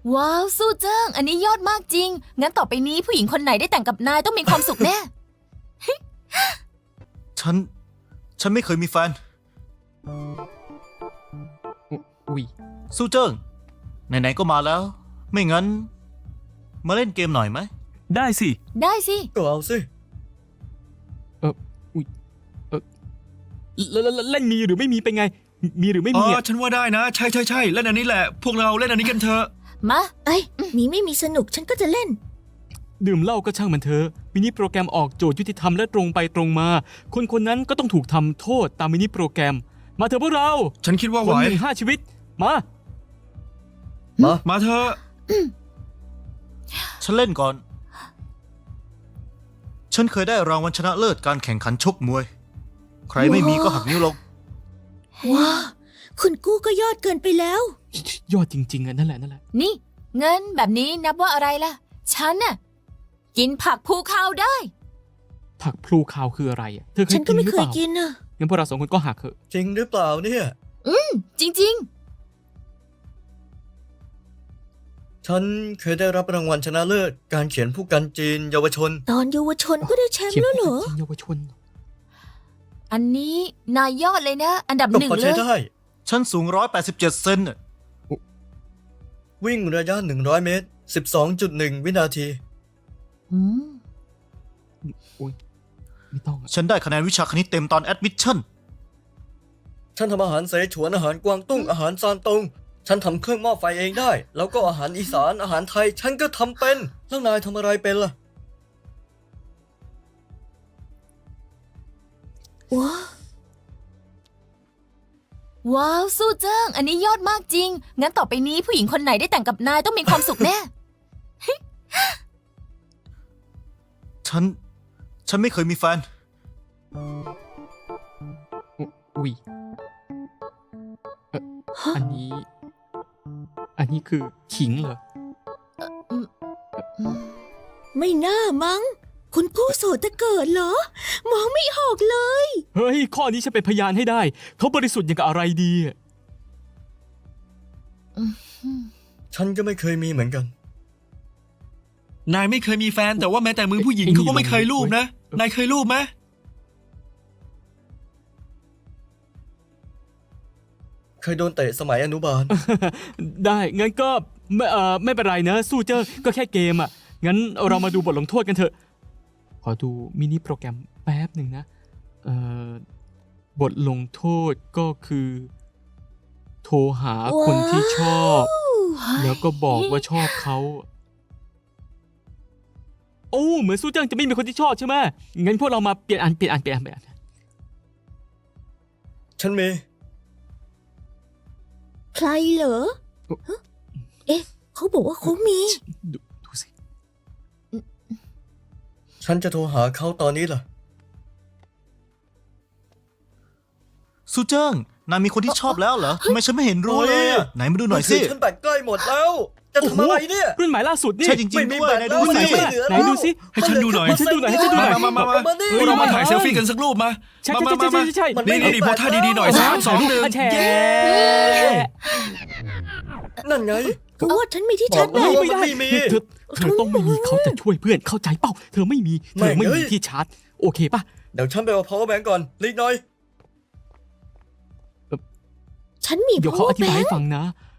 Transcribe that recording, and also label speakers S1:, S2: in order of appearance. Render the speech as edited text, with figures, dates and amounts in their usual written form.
S1: ว้าวสู้เจิ้งอันนี้ยอดมากจริงงั้นต่อไปนี้ผู้หญิงคนไหนได้แต่งกับนายต้องมีความสุขแน่
S2: ฉันไม่เคยมีแฟน
S3: อุ้ย
S2: สู้เจิ้งไหนๆก็มาแล้ว ไม่งั้น มาเล่นเกมหน่อยไหม
S3: ได้สิ
S1: ได้สิ
S4: ก็เอาสิ
S3: เล่นมีหรือไม่มีเป็นไง มีหรือไม่
S5: อ๋
S3: มี
S5: อฉันว่าได้นะ ใช่เล่นอันนี้แหละ พวกเราเล่นอันนี้กันเถอะ
S1: มา
S6: เอ้ยมีไม่มีสนุกฉันก็จะเล่น
S3: ดื่มเหล้าก็ช่างมันเถอะมินิโปรแกรมออกโจทย์ยุติธรรมและตรงไปตรงมา คนคนนั้นก็ต้องถูกทำโทษตามมินิโปรแกรม มาเถอะพวกเรา
S5: ฉันคิดว่า
S3: ค
S5: ไหวน
S3: หนึ่ง5 ชีวิต มา
S5: มาเถอะ
S2: ฉันเล่นก่อน ฉันเคยได้รางวัลชนะเลิศการแข่งขันชกมวย ใครไม่มีก็หักนิ้วลง
S6: ว้าคุณกู้ก็ยอดเกินไปแล้ว
S3: ยอดจริงๆอ่ะนั่นแหละ
S1: นี่เงินแบบนี้นับว่าอะไรล่ะฉันน่ะกินผักภูเขาได้
S3: ผักพลูคาวคืออะไรอ่ะเธอเคย
S6: ฉันก็
S3: กิน
S6: ไม่
S3: หรือ
S6: เค
S3: เป
S6: ย
S3: ล่า
S6: กินนะ
S3: งั้นพวกเรา2 คนก็หักเถอะ
S4: จริงหรือเปล่าเนี่ย
S1: จริง
S4: ฉันเคยได้รับรางวัลชนะเลิศการเขียนผู้กันจีนเยาวชน
S6: ตอนเยาวชนก็ได้แชมป์
S3: เขียน
S6: แล้วเหรอ
S3: จริงเยาวชน
S1: ๆ อันนี้นายยอดเลยนะ อันดับ
S4: ก็
S1: หนึ่ง
S4: พอ
S1: เล
S4: ใช้
S1: ย
S4: ได้
S2: ฉันสูง187เซนน่ะ
S4: วิ่งระยะ100 เมตร 12.1 วินาที
S1: อืม
S3: ไม่ต้องอะ
S2: ฉันได้คะแนนวิชาคณิตเต็มตอนแอดมิชชั่น
S4: ฉันทำอาหารเสฉวนอาหารกวางตุ้งอาหารซานตง ฉันทำเครื่องหม้อไฟเองได้ แล้วก็อาหารอีสานอาหารไทย ฉันก็ทำเป็นแล้วนายทำอะไรเป็นล่ะ
S6: ว้า
S1: ว้าวสู้เจิ้งอันนี้ยอดมากจริงงั้นต่อไปนี้ผู้หญิงคนไหนได้แต่งกับนายต้องมีความสุขแน่
S2: ฉันไม่เคยมีแฟน
S3: อุ้ยอันนี้คือขิงเหรอ
S6: ไม่น่ามั้ง คุณกู้โสดแต่เกิดเหรอ มองไม่ออกเลย
S3: เฮ้ย ข้อนี้ฉันเป็นพยานให้ได้ เขาบริสุทธิ์อย่างกับอะไรดีอะ
S4: ฉันก็ไม่เคยมีเหมือนกัน
S5: นายไม่เคยมีแฟนแต่ว่าแม้แต่มือผู้หญิงเขาก็ไม่เคยรูปนะ นายเคยรูปไหม
S4: เคยโดนเตะสมัยอนุบาล
S3: ได้งั้นก็ไม่เป็นไรนะ สู้เจอก็แค่เกมอ่ะ งั้นเรามาดูบทลงโทษกันเถอะ ขอดูมินิโปรแกรมแป๊บหนึ่งนะบทลงโทษก็คือ โทรหาคนที่ชอบ แล้วก็บอกว่าชอบเขา โอ้เหมือนสู้เจังจะไม่มีคนที่ชอบใช่ไหมงั้นพวกเรามาเปลี่ยนอัน
S4: ฉันมี
S6: ใครเหรอฮะเอ๊ะ เขาบอกว่าเขามี
S3: ดูสิ
S4: ฉันจะโทรหาเขาตอนนี้ล่ะ
S2: สู้เจิ้งนายมีคนที่ชอบแล้วเหรอทำไมฉันไม่เห็นรู้เลยอะไหนมาดูหน่อยสิ
S4: มืถืฉันแบตใกล้หมดแล้ว จะทำอะไรเนี่ย
S3: รุ่นใหม่ล่าสุดนี่
S2: ใช่จริง
S4: ไม่
S2: ๆ
S4: มี
S2: ด้วย
S4: แบต
S2: นาย
S4: แล้
S2: ดู
S4: ว
S2: สิ
S4: ไม่เหลือ
S3: ไหนดูสิ
S5: ให้ฉันดูหน่อย
S3: ให้ฉันดูหน่อยให้ฉันดูหน่อย
S5: มา พวกเรามาถ่ายเซลฟี่กันสักรูปมา
S3: ใช่
S5: มา
S3: ใช่
S5: นี่โพสท่าดีๆหน่อย3 2 1
S3: แชร์
S4: นั่นไง
S6: กูว่าฉันมีที่ชาร์จแบ
S4: บอก
S6: ต
S4: แล้ว
S3: ไม่ได้
S4: ไม่มี
S3: เธอต้องไม่มีเขาจะช่วยเพื่อนเข้าใจเปล่าเธอไม่มี
S4: ไม่
S3: ที่ชาร์จโอเคป่ะ
S4: เดี๋ยวฉันไปเอา power bank ก่อนรีบหน่อย
S6: ฉันมี
S3: เดี๋ยวเขาอธิบายให้
S6: power bank
S3: ฟังนะ